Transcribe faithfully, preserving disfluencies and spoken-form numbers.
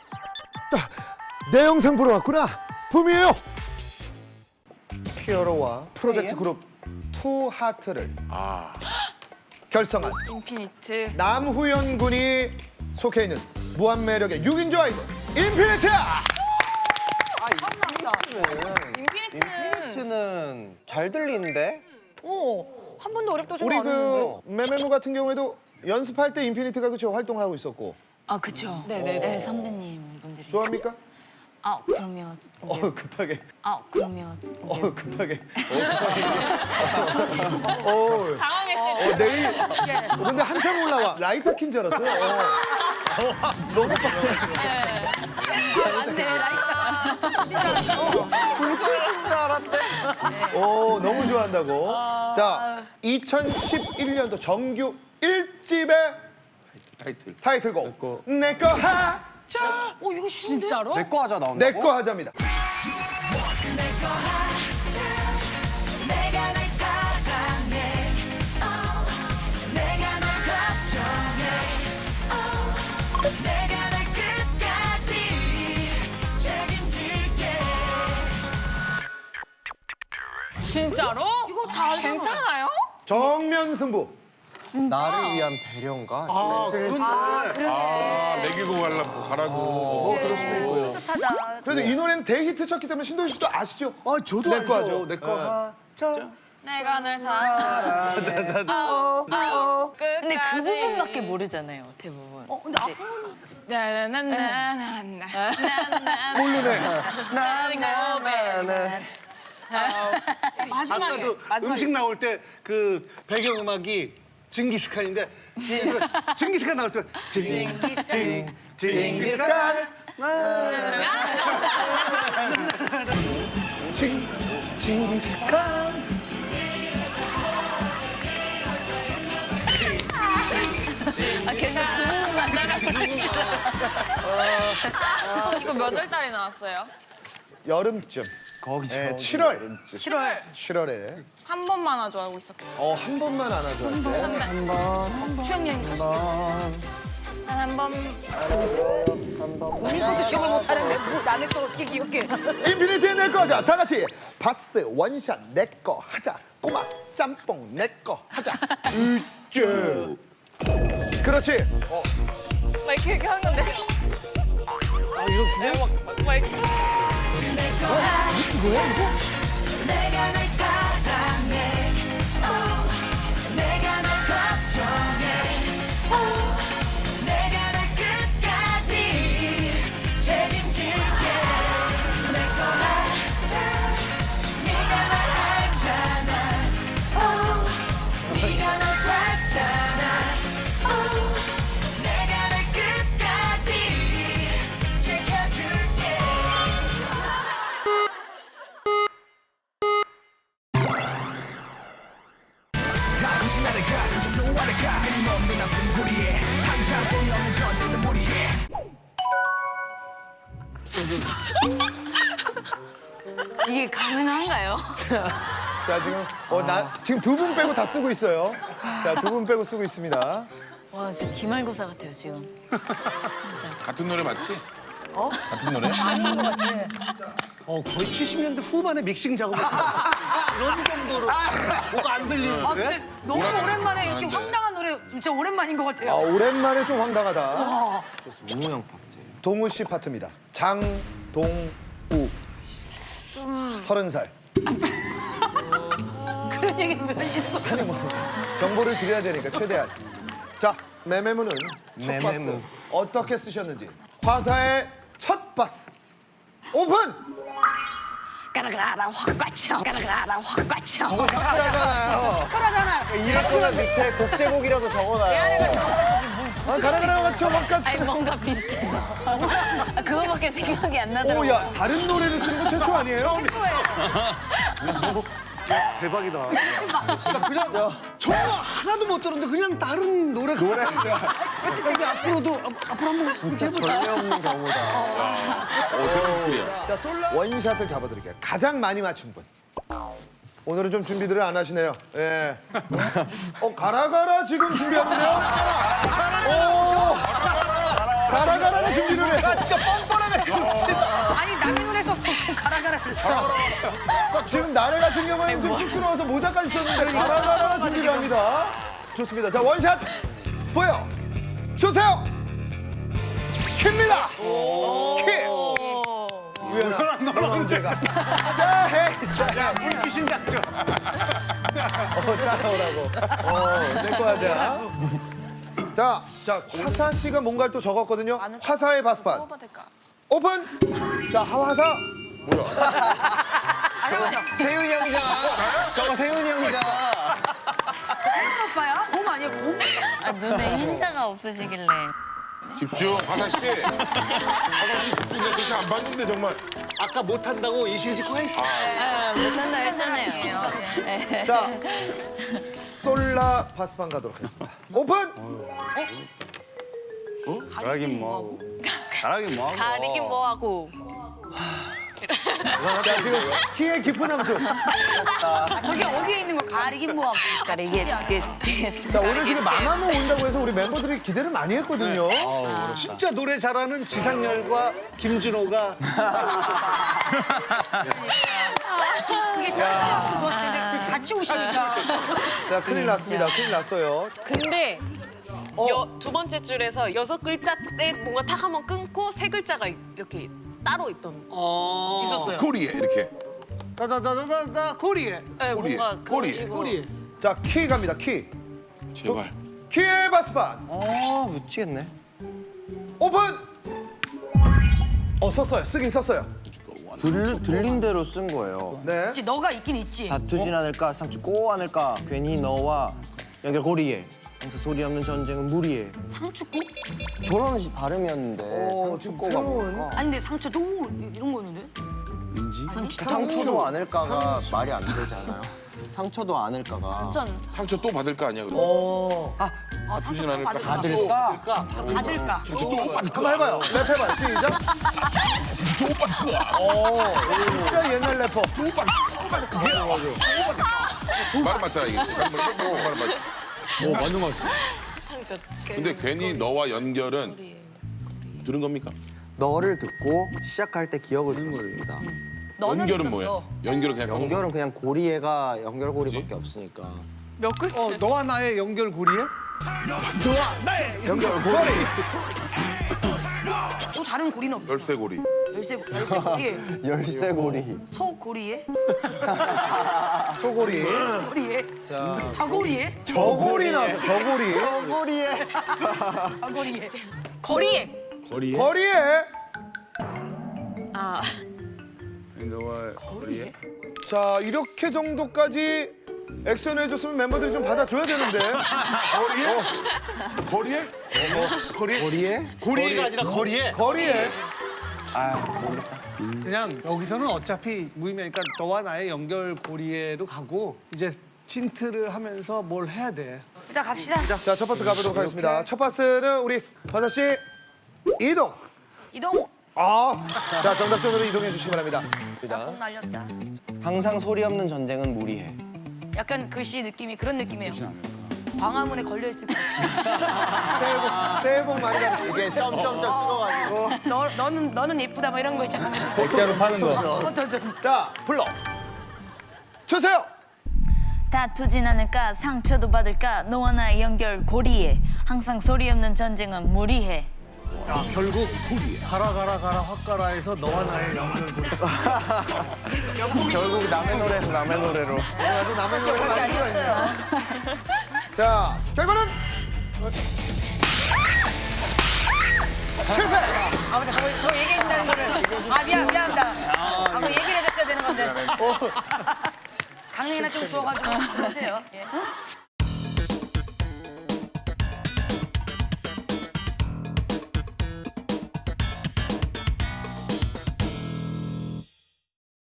내 영상 보러 왔구나. 붐이에요. 피어로와 프로젝트 그룹 투하트를 결성한 인피니트. 남후연 군이 속해 있는 무한 매력의 육 인조 아이돌 인피니트. 인피니트는 인피니트는 잘 들리는데? 오, 한 번도 어렵다고 우리 생각 안 했는데. 그 메메무 같은 경우에도 연습할 때 인피니트가 그쵸 활동을 하고 있었고 아 그쵸. 네네네. 네 선배님 분들이. 좋아합니까? 아 그러면 이제. 어 급하게. 아 그러면 이제. 어 급하게. 어, 당황했어요. 어, 내일. 근데 한참 올라와. 라이터 킨 줄 알았어요. 어. 너무 빨라. 맞네, 라이터. 진짜 알았어. 불빛인 줄 알았대. 오, 너무 좋아한다고. 자, 이천십일 년도 정규 일 집의 타이틀. 타이틀곡 내꺼 하자. 어, 이거 쉬운데? 진짜로? 내거 하자 나온다고? 내꺼 하자입니다. 내가 널 사랑해 oh, 내가 널 걱정해 oh, 내가 널 끝까지 책임질게 진짜로? 이거 다 괜찮아요? 정면 승부. 나를 위한 배려인가? 아, 슬슬- 그건 아, 먹이고 가려고 가라고. 어, 그럴 수도 있고요. 찾아. 그래도 이 노래는 대히트 쳤기 때문에 신동희 씨도 아시죠? 아, 저도 내꺼 알죠. 하죠. 내꺼 하자. 내가 널 사랑해. 아, 아, 근데 그 부분밖에 모르잖아요 대부분. 어, 근데 이제 앞으로는 나나나나나나. 모르네. 나나나나. 아까도 음식 나올 때 그 배경 음악이 징기스칸인데 징기스칸 나올 때 징징 징기스칸 징 징기스칸 아 계속 그 부분만 따라 부르시다. 이거 몇 월 달에 나왔어요? 여름쯤. 거기서. 네, 칠월. 칠월. 칠월에. 한 번만 하죠 알고 있었겠다. 어, 한 번만 안아줘 할 때. 추억여행 갔어. 한 번. 본인 것도 기억을 못하는데 뭐 남의 걸 어떻게 기억해? 인피니티의 내꺼 하자. 다 같이 바스 원샷 내꺼 하자. 꼬막 짬뽕 내꺼 하자. 으쭈. 그렇지. 어, 막 이렇게 이렇게 하는 건데. 아 이렇게? 막, 막 이렇게. 내가 널 사랑해 oh, 내가 널 걱정해 oh, 내가 널 끝까지 책임질게 내꺼 하자 네가 날 알잖아 oh, 네가 널 봤잖아 oh, 내가 널 끝까지 지켜줄게 이게 가능한가요? 자 지금 어, 나 지금 두 분 빼고 다 쓰고 있어요. 자 두 분 빼고 쓰고 있습니다. 와 지금 기말고사 같아요 지금. 같은 노래 맞지? 어? 같은 노래? 어, 거의 칠십 년대 후반에 믹싱 작업. 이런 정도로 뭐가 안 들리는데? 아 근데 너무 오랜만에 이렇게 아는데. 황당한 노래 진짜 오랜만인 것 아, 같아요. 오랜만에 좀 황당하다. 문우 형 파트. 동우 씨 파트입니다. 장동우. 서른 살. 그런 얘기 왜 하시는 거예요? 아니 뭐 정보를 드려야 되니까 최대한. 자 메메무는 첫 메메무. 바스 어떻게 쓰셨는지 화사의 첫 바스 오픈. 까라가라 확 꽉쳐. 까라가라 확 꽉쳐. 저거 사쿠라잖아요. 그러잖아요. 이럴 거면 밑에 곡제곡이라도 적어놔요. 아, 가라가라 맞죠? 바깥. 아니 뭔가 비슷해서. 아, 그거밖에 생각이 안 나더라고요. 오야 다른 노래를 쓰는 거 최초 아니에요? 대박이다. 그냥 전혀 하나도 못 들었는데 그냥 다른 노래 노래. 근데 앞으로도 앞- 앞으로 한번 이렇게 해보자. 전례 없는 경우다. 오, 새로운 스토리야. 자 솔라 원샷을 잡아드릴게요. 가장 많이 맞춘 분. 오늘은 좀 준비들을 안 하시네요. 예. 어 가라가라 지금 준비하는데요? 오 가라 가라가 준비 노래. 나 진짜 뻔뻔하네. 아니 남의 노래에서 가라 가라 그랬어. 지금 나래 같은 경우는 좀 쑥스러워서 모자까지 썼는데 가라 가라가 준비를 합니다. 좋습니다. 자 원샷 보여 주세요. 킵니다. 킵. 우연아 너는 언제가? 자 헤이. 야, 물귀신 작전. 어, 따라오라고. 어, 내거 하자. 자, 자, 화사 씨가 뭔가를 또 적었거든요. 화사의 바스판. 뭐가 될까? 오픈! 자, 하화사. 세윤이 형이잖아. 저거 세윤이 형이잖아. 오빠야? 곰 아니야 곰? 아, 눈에 흰자가 없으시길래. 집중, 화사 씨. 화사 씨 집중. 내가 그렇게 안 봤는데 정말. 아까 못한다고 이실직고 했어. 아, 못한다 했잖아요. 자, 솔라 바스판 가도록 하겠습니다. 오픈! 잘하긴 뭐하고. 잘하긴 뭐하고. 가리긴 뭐하고. 자, 지금 키의 깊은 함수. 아, 저기 어디에 있는 거 가리긴 뭐하고. 그러니까 이게 이게 자, 오늘 지금 마마무 온다고 해서 우리 멤버들이 기대를 많이 했거든요. 진짜 노래 잘하는 지상렬과 김준호가 그게 따라서 좋았을 텐데 그걸 같이 오시니까. 자, 큰일 났습니다. 큰일 났어요. 근데 어. 여, 두 번째 줄에서 여섯 글자 때 뭔가 탁 한번 끊고 세 글자가 이렇게 따로 있던 있었어요. 코리에 이렇게. 다다다다다다 코리에. 네, 꼬리에, 뭔가 그런 꼬리에. 식으로. 코리에. 자, 키 갑니다. 키. 제발. 키의 바스판. 어, 미치겠네. 오픈! 어, 썼어요. 쓰긴 썼어요. 들, 들린 대로 쓴 거예요. 네. 그치 너가 있긴 있지. 다투진 않을까, 상처 꼬 않을까, 괜히 너와 연결 고리에. 항상 소리 없는 전쟁은 무리해. 상추국? 저런 식 발음이었는데 어, 좀 상추꼬가 새로운. 뭘까? 아니 근데 상처도 이런 거였는데? 상처도 않을까가 말이 안 되잖아요. 상처도 않을까가. 전 상처 또 받을 거 아니야, 그럼? 어. 아, 아프진 상처 않을까? 받을까? 받을까? 한번 해봐요. 랩해봐요. 시작. 오, 진짜 옛날 래퍼. 말 맞잖아, 이게. 말 맞. 오, 맞는 것 같아. 상처. 근데 괜히 너와 연결은 들은 겁니까? 너를 듣고 시작할 때 기억을 듣습니다. 너는 연결은 있었어. 뭐야? 연결은 그냥 연결. 연결은 그냥 고리에가 연결고리밖에 없으니까. 몇 글자? 어, 너와 나의 연결 고리에? 연결고리. 또 다른 고리는 없어. 열쇠고리. 열쇠 열쇠 고리에. 열쇠고리. 소 고리에? 소고리. 고리에? 저 고리에? 저고리 나왔어. 저고리. 고리에. 저 고리에. 거리에. 거리에. 아, 거리에? 자, 이렇게 정도까지 액션 해줬으면 멤버들이 좀 받아줘야 되는데. 거리에? 거리에? 고리에? 고리가 아니라 거리에. 거리에. 아, 모르겠다. 그냥 여기서는 어차피 무의미하니까 너와 나의 연결 고리에로 가고 이제 틴트를 하면서 뭘 해야 돼. 일단 갑시다. 자, 첫 파스 가보도록 하겠습니다. 첫 파스는 우리 화사 씨 이동. 이동. 아, 자, 정답전으로 이동해 주시기 바랍니다. 짬뽕 날렸다. 항상 소리 없는 전쟁은 무리해. 약간 글씨 느낌이 그런 느낌이에요. 광화문에 걸려 있을 것 같아. 새해 복, 새해 복 많이 받으시고. 이게 점점점 찍어가지고. 너 너는 너는 예쁘다 뭐 이런 거 있잖아. 백자로 파는 거. 그것도 좀. 자, 불러 주세요. 다투진 않을까 상처도 받을까 너와 나의 연결 고리에 항상 소리 없는 전쟁은 무리해. 야, 결국 가라 가라 가라 확 가라에서 너와 나의 연결 고리. 결국 남의 노래에서 남의 노래로. 사실 그렇게 아니었어요. 자, 결과는 실패. 아 맞다 저거 저 얘기해준다는 거를. 아 미안 미안합니다. 아 그거 얘기를 해줬어야 되는 건데. 강냉이나 좀 주워가지고 하세요. 예.